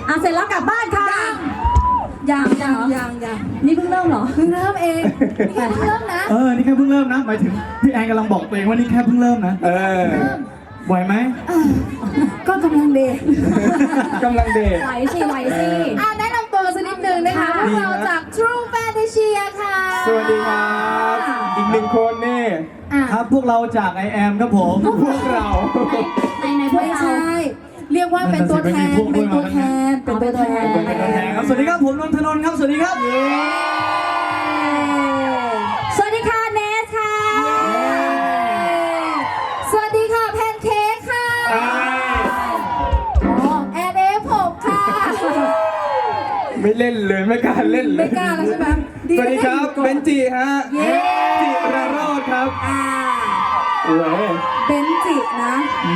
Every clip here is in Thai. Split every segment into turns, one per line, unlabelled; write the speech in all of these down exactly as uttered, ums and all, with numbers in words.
อ่ะเสร็จแล้วกลับบ้านค่ะยังยังยังยังนี่เพิ่งเริ่มเหรอเพิ่งเริ่มเองนี่แค่เพิ่งเริ่มนะ
เออนี่แค่เพิ่งเริ่มนะหมายถึงพี่แอนกำลังบอกตัวเองว่านี่แค่เพิ่งเริ่มนะ
เออ
ไหวไหม
ก็กำลังเดท
กำลังเดท
ไหวสิไหวสิอ่ะแนะนำตัวสักนิดนึงนะคะพวกเราจาก True Fantasy ค่ะ
สวัสดีครับอีกหนึ่งคนนี่
ครับพวกเราจาก ไอ แอม ครับผม
พวกเรา
ในในพวกเราเรียกว่าเป็นตัวแทนเป็นตัวแทนเป็นตัวแทน
เป็นตัวแทนครับสวัสดีครับผมนนทนนท์ครับสวัสดีครับ
สวัสดีค่ะเนสค่ะสวัสดีค่ะแพนเค้กค่ะอ๋อแอนเอฟหกค่ะ
ไม่เล่นเลยไม่กล้าเล่นเลย
ไม่กล้าแล้วใช่ไหม
สวัสดีครับเบนจีฮะจิราโรจน์ครับโอ้ย
เบนจินะ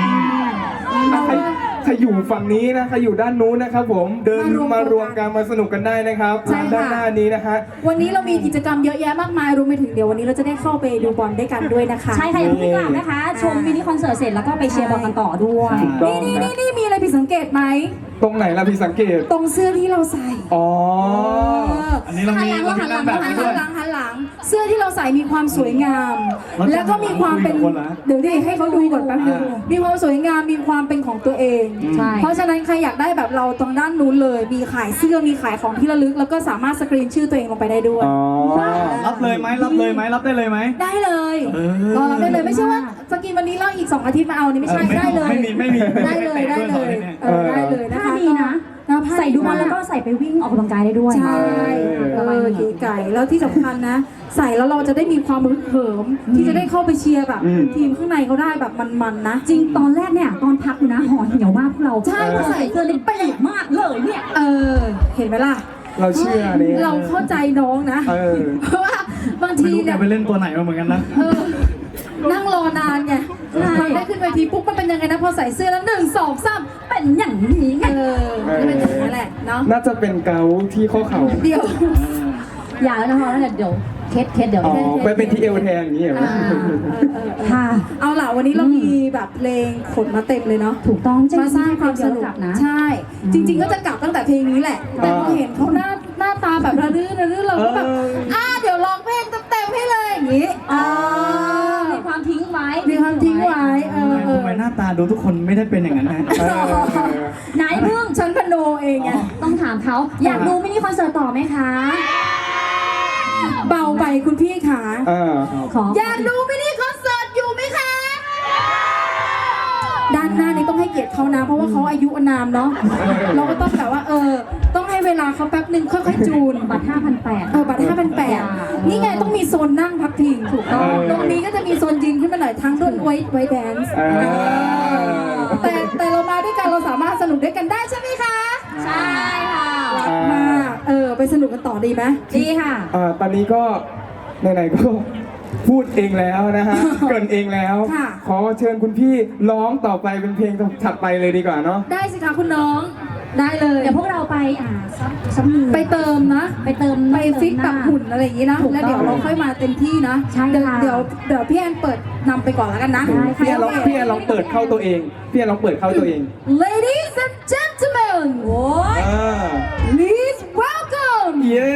ใครอยู่ฝั่งนี้นะใครอยู่ด้านนู้นนะครับผมเดินมารวมกันมาสนุกกันได้นะครับด้านหน้านี้นะฮะ
วันนี้เรามีกิจกรรมเยอะแยะมากมายรวมไปถึงเดี๋ยววันนี้เราจะได้เข้าไปดูบอลด้วยกันด้วยนะคะ
ใช่ค่ะอย่าเพิ่งกลับนะคะชมมินิคอนเสิร์ตเสร็จแล้วก็ไปเชียร์บอลกันต่อด้วย
นี่นี่นี่มีอะไรผิดสังเกตไหม
ตรงไหนล่ะพี่สังเกต
ตรงเสื้อที่เราใส่
อ๋อ
อันนี้เรามีเรามีแบบ
หันหลังหันหลังเสื้อที่เราใส่มีความสวยงามแล้วก็มีความเป็นเดี๋ยวดิให้เขาดูก่อนแป๊บนึงมีความสวยงามมีความเป็นของตัวเองเพราะฉะนั้นใครอยากได้แบบเราตรงด้านนู้นเลยมีขายเสื้อมีขายของที่ระลึกแล้วก็สามารถสกรีนชื่อตัวเองลงไปได้ด้วย
รับเลยไหมรับเลยไหมรับได้เลยไหม
ได้เลยรอรับได้เลยไม่ใช่ว่าสกรีนวันนี้แล้วอีกสองอาทิตย์มาเอานี่ไม่ใช่ได้เลย
ไม่มีไม่มี
ได้เลยได้เลยได้เลยนะคะ
ดีนะใส่ดูบอลแล้วก็ใส่ไปวิ่งออกกำลังกายได้ด้วย
ใช่เออกีไก่แล้วที่สำคัญนะใส่แล้วเราจะได้มีความรึกเหิมที่จะได้เข้าไปเชียร์แบบทีมข้างในเขาได้แบบมันๆนะ
จริงตอนแรกเนี่ยตอนพักอยู่นะห่อเหี่ยวมากพวกเรา
ใช่พอใส่
เสื้อเลยเป๊ะมากเลยเนี่ย
เออเห็นไหมล่ะ
เราเชื่อเนี่ย
เราเข้าใจน้องนะเพราะว่าบางทีเนี่ย
ไปเล่นตัวไหนมาเหมือนกันนะ
นั่งรอนานไงพอได้ขึ้นเวทีปุ๊บมันเป็นยังไงนะพอใส่เสื้อแล้วหนึ่งสองสามเป็นอย่างนี้ไงเออเป็นอย่างนี้แหละเนาะ
น่าจะเป็นเกาที่ข้อเข่า
เดี๋ยว
อย่าแล้วนะคะเดี๋ยวเคสเคสเดี๋ยว
อ๋อไปเป็นที่เอวแทนอย่างนี้เหรอ
ค่ะเอาล่ะวันนี้เรามีแบบเพลงขนมาเต็มเลยเนาะ
ถูกต้อง
มาสร้างความสนุกนะใช่จริงๆก็จะกลับตั้งแต่เพลงนี้แหละแต่พอเห็นเขาหน้าหน้าตาแบบระรื่นระรื่นเราก็แบบอ่าเดี๋ยวร้องเพลงเต็มให้เลยอย่างนี้
อ๋อมีความทิ้งไว้
มีความทิ้งไว้เออ
ทำไมหน้าตาดูทุกคนไม่ได้เป็นอย่างนั้นนะ
ไหนเพิ่ง
ฉันพโนเองไง
ต้องถามเขาอยากดูมินิคอนเสิร์ตต่อไหมคะ
เบาไปคุณพี่ขาอยากดูมินิคอนเสิร์ตอยู่ไหมคะด้านหน้านี้ต้องให้เกียรติเขานะเพราะว่าเขาอายุอนามเนาะเราก็ต้องแบบว่าเออต้องให้เวลาเขาแป๊บนึงค่อยๆจูน
บัตร ห้าพันแปดร้อย
เออบัตร ห้าพันแปดร้อย นี่ไงต้องมีโซนนั่งพักพิงถูกต้องตรงนี้ก็จะมีโซนยืนขึ้นมาหน่อยทั้งรุ่นไว้ไว้แดนซ์แต่แต่เรามาด้วยกันเราสามารถสนุกด้วยกันได้ใช่ไหมคะ
ใช่ค่ะ
มาเออไปสนุกกันต่อดีไหม
ดีค่ะ
อ่าตอนนี้ก็ไหนๆก็พูดเองแล้วนะฮะเกินเองแล้วขอเชิญคุณพี่ร้องต่อไปเป็นเพลงถัดไปเลยดีกว่าเนาะ
ได้สิคะคุณน้องได้เลย
เดี๋ยวพวกเราไปอ่าซับมือ
ไปเติมนะ
ไปเติม
ไปฟิกแบบหุ่นอะไรอย่างนี้นะแล้วเดี๋ยวเราค่อยมาเต็มที่นะเดี๋ยวเดี๋ยวเดี๋ยวพี่แอนเปิดนำไปก่อนแล้วกันนะ
พี่แอนลองพี่แอนลองเปิดเข้าตัวเองพี่แอนลองเปิดเข้าตัวเอง
Ladies and gentlemen โอ้ย Please welcome
เย้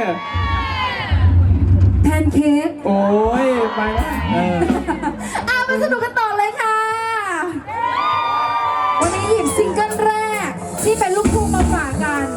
แพนเค้ก
โอ้ยไป
อ่ะไปสนุกกันต่อเลยค่ะวันนี้หยิบซิงเกิลแรกที่เป็นลูกทุ่งมาฝากกัน